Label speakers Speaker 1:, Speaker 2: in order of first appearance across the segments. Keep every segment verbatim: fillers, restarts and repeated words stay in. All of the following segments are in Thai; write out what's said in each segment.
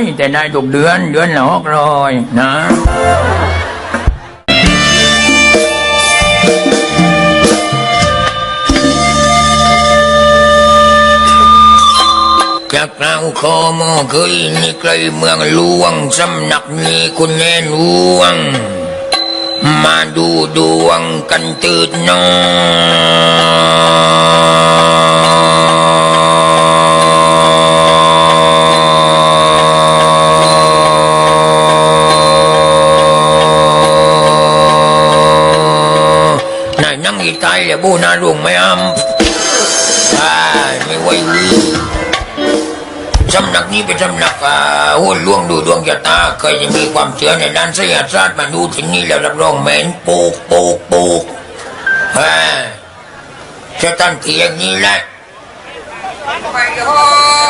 Speaker 1: แต่ได้ทุกเดือนเดือนละหกร้อยนะจากเราขอมอเคยนี่ไกลเมืองหลวงสำนักนี้คุณแน่หลวงมาดูดวงกันตื่นนอนายนั่งอีตายเลยบูนาลุงไม่อ้ำอ่าไม่ไหววิสำนักนี้เป็นสำนักหุ่นล่วงดูดวงชะตาเคยจะมีความเชื่อในด้านไสยศาสตร์มาดูที่นี่แล้วรับรองเหม็นปูกปูกปูกฮ่าจะตั้งที่อย่างนี้แหละไปโอ้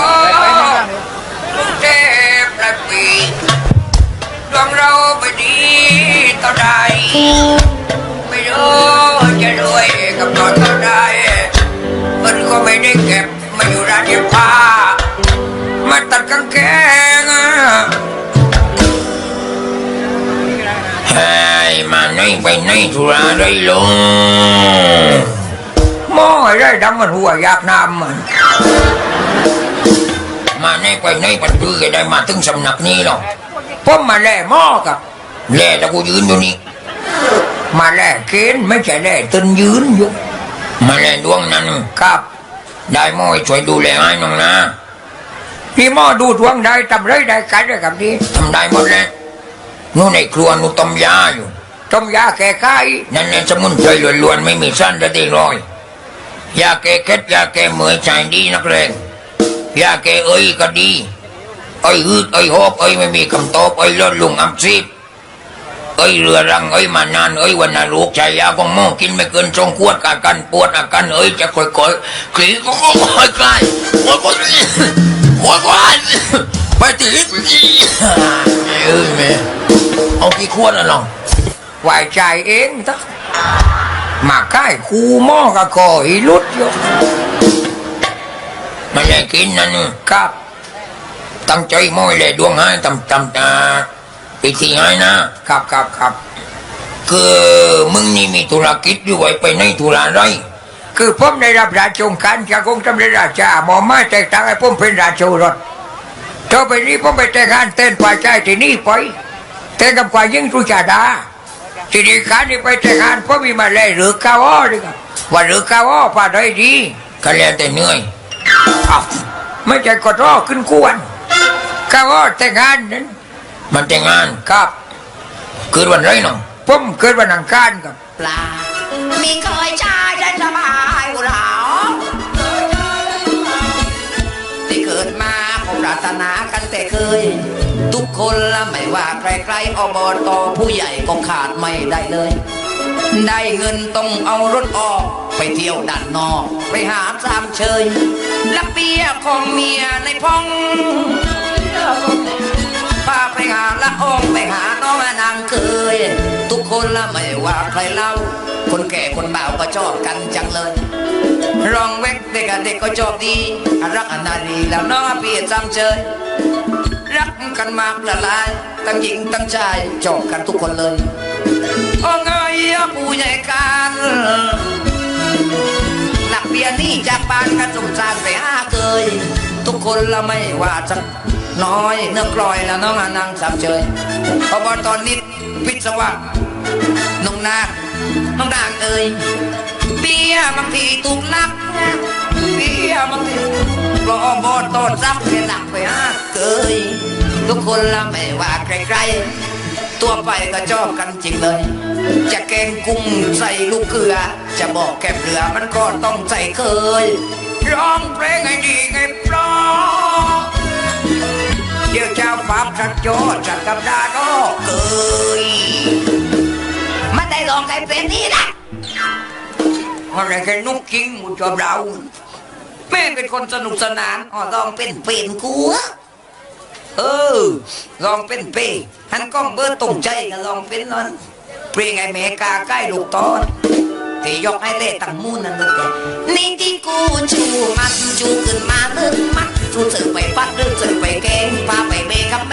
Speaker 1: ลูกเทพประปีดวงเราไม่ดีต่อใดไม่รู้จะรวยกับตอนเท่าใดมันก็ไม่ได้เก็บมาอยู่ร้านเย็บผ้ามาตัดกางเกงอ่ะเฮ้ยมาไหนไปไหนธุระได้ลงมองไอ้ได้ดำมันหัวอยากน้ำมันมาไหนไปไหนปันพื้นได้มาถึงสำนักนี้หรอกผมมาแล่หม้อกับแล่แล้วกูยืนอยู่นี่มาแล่เกณฑ์ไม่ใช่แล่ตึนยืนอยู่มาแล่ดวงนั้นครับได้หม้อช่วยดูแลให้น้องนะพี่หม้อดูดวงได้ทำไรได้กันได้กับนี้ทำได้หมดแล้วนู่นในครัวนู่นต้มยาอยู่ต้มยาแก้ไข้นั่นเนี่ยสมุนไพรล้วนๆไม่มีสั้นจะได้ร้อยยาแก้เคล็ดยาแก้เมื่อยใจดีนักเลงยาแก้เอ้ยก็ดีเอ้ยฮึดเอ้ยหอบเอ้ยไม่มีคำตอบเอ้ยลดลุงอับซีบเอ้ยเรือรังเอ้ยมานานเอ้ยวันน่ะลูกชายยาของหม้อกินไม่เกินสองขวดอาการปวดอาการเอ้ยจะค่อยๆคลี่ก็ค่อยๆคลายค่อยๆโอ้ยก่อนไปติดเอ้ยแม่เอากี่ขวดอ่ะน้องไหวใจเองทักมาใกล้คูหม้อกับคออีลุดอยู่ไม่ได้กินนั่นครับตั้งใจม้อยเลยดวงให้ตำตำตาไปที่ให้นะครับครับครับคือมึงนี่มีธุรกิจด้วยไปในธุระไรคือผมได้รับราชองการจากองค์สมเด็จราชาหมอมาแตกต่างให้ผมเป็นราชโอรสต่อไปนี้ผมไปแต่งงานเต้นฝ่ายชายที่นี่ไปแต่งกับฝ่ายหญิงสุชาดาทีนี้การนี้ไปแต่งงานผมมีมาเลยหรือก้าวอ้อดีครับว่าหรือก้าวอ้อผ่าได้ดีก็แล้วแต่เหนื่อยไม่ใช่กดรอขึ้นกวนก้าวอ้อแต่งงานนั้นมันแต่งงานครับเกิดวันไรน้องผมเกิดวันอังคารครับ
Speaker 2: ปลามีเคยชายได้สบายกูหรอที่เกิดมาผมปรารถนากันแต่เคยทุกคนละไม่ว่าใครๆอบตผู้ใหญ่ก็ขาดไม่ได้เลยได้เงินต้องเอารถออกไปเที่ยวด้านนอกไปหาสามเชยลักเปียของเมียในพ้องพาไปหาละอองไปหาน้องนางเคยทุกคนละไม่ว่าใครเล่าคนแก่คนบ่าวก็ชอบกันจังเลยรองเวกเด็กเด็กก็ชอบดีรักอนาลีแล้วน้องเปียจำเชยรักกันมากละลายตั้งหญิงตั้งชายชอบกันทุกคนเลยโอ้เงยผู้ใหญ่กันหลักเบียนี่จากบ้านกันสมสารไปหาเคยทุกคนละไม่ว่าจะน้อยเนื้อกลอยแล้วน้องนางสามเชยพอบอตอนนิดพิศวะน้องนาน้องนางเอ่ยเบี้ยบางทีถูกลักเบี้ยบางทีก็บอตอนซับเป็นหลักไปหาเคยทุกคนละไม่ว่าใครๆตัวไปก็ชอบกันจริงเลยจะแกงกุ้งใส่ลูกเกลือจะบอกแกบเรือมันก็ต้องใส่เคยร้องเพลงให้ดีไงเพราะเดี๋ยวเจ้าฟ้าสักโจสักกับดาก็เกยมันได้ลองใครเป็นนี่นะอะไรกันนุกจริงมุจอบเราแม่เป็นคนสนุกสนานอ๋อลองเป็นเป็นกูเออลองเป็นเป้หันกล้องเบอร์ตรงใจก็ลองเป็นนั่นเปลี่ยนไงเมกาใกล้ลูกตอนที่ยกให้เล่ตั้งมูนนั่นลูกแกนี่ที่กูชูมันชูขึ้นมาลึกมัดรู้สึกไปฟัดรู้สึกไปแกงพาไปเมกับ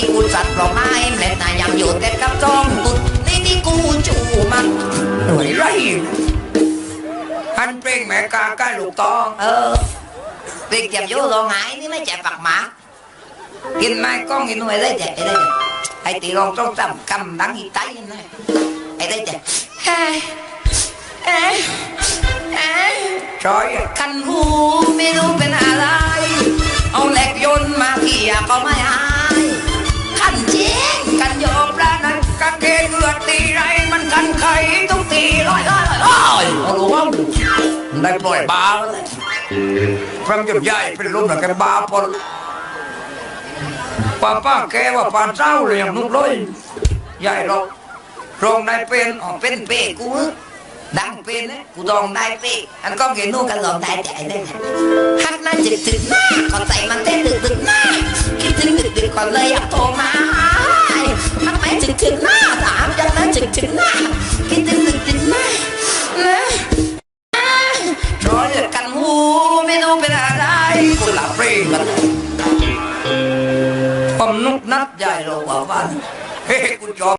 Speaker 2: ที่กูจัดปลอกไม้แม่แต่ยังอยู่แต่กับจ้องตุดนี่ที่กูจูมันหน่วยไรฮันเพลงแม่กาใกล้ลูกตองเออเพลงเจ็บโยโลงายนี่ไม่เจ็บปากหมากินไม้ก้องกินหน่วยได้เจ็บไอ้ได้เจ็บไอ้ตีลองต้องจำคำดังอีไตนะไอ้ได้เจ็บเฮ้เอ๊ะเอ๊ะ
Speaker 1: ชอย
Speaker 2: คันหูไม่รู้เป็นอะไรเอาเหล็กยนต์มาเกี่ยก็ไม่หายคันจริงกันโยมแล้วนั้นกางเกงเลือดตีไรมันกันไขต้องตีร้อยร้อยร้อยเอาลูกว่าได้ปล่อยบาเลย
Speaker 1: ฟังจนใหญ่เป็นลมหนักกันบาปนป้าป้าแกว่าปานเจ้าเรียงนุกเลยใหญ่เราโรงได้เป็น
Speaker 2: ออกเป็นเป้กูดังเป็นนะกูลองได้เป้อันก็เกนู่กันลองได้ใจได้ฮักน่าจึกถึงหน้าก่อนใจมันเต้นดึกดึกหน้าคิดถึงดึกดึกก่อนเลยอยากโทรมาฮักไม่จึกถึงหน้าถามจังนั้นจึกถึงหน้าคิดถึงดึกดึกหน้านะร้อยกันหูไม่รู้เป็นอะไรกูหลับเปรี้กันผมนุกนัดใหญ่เราบอกว่า
Speaker 1: เฮ้กูจอบ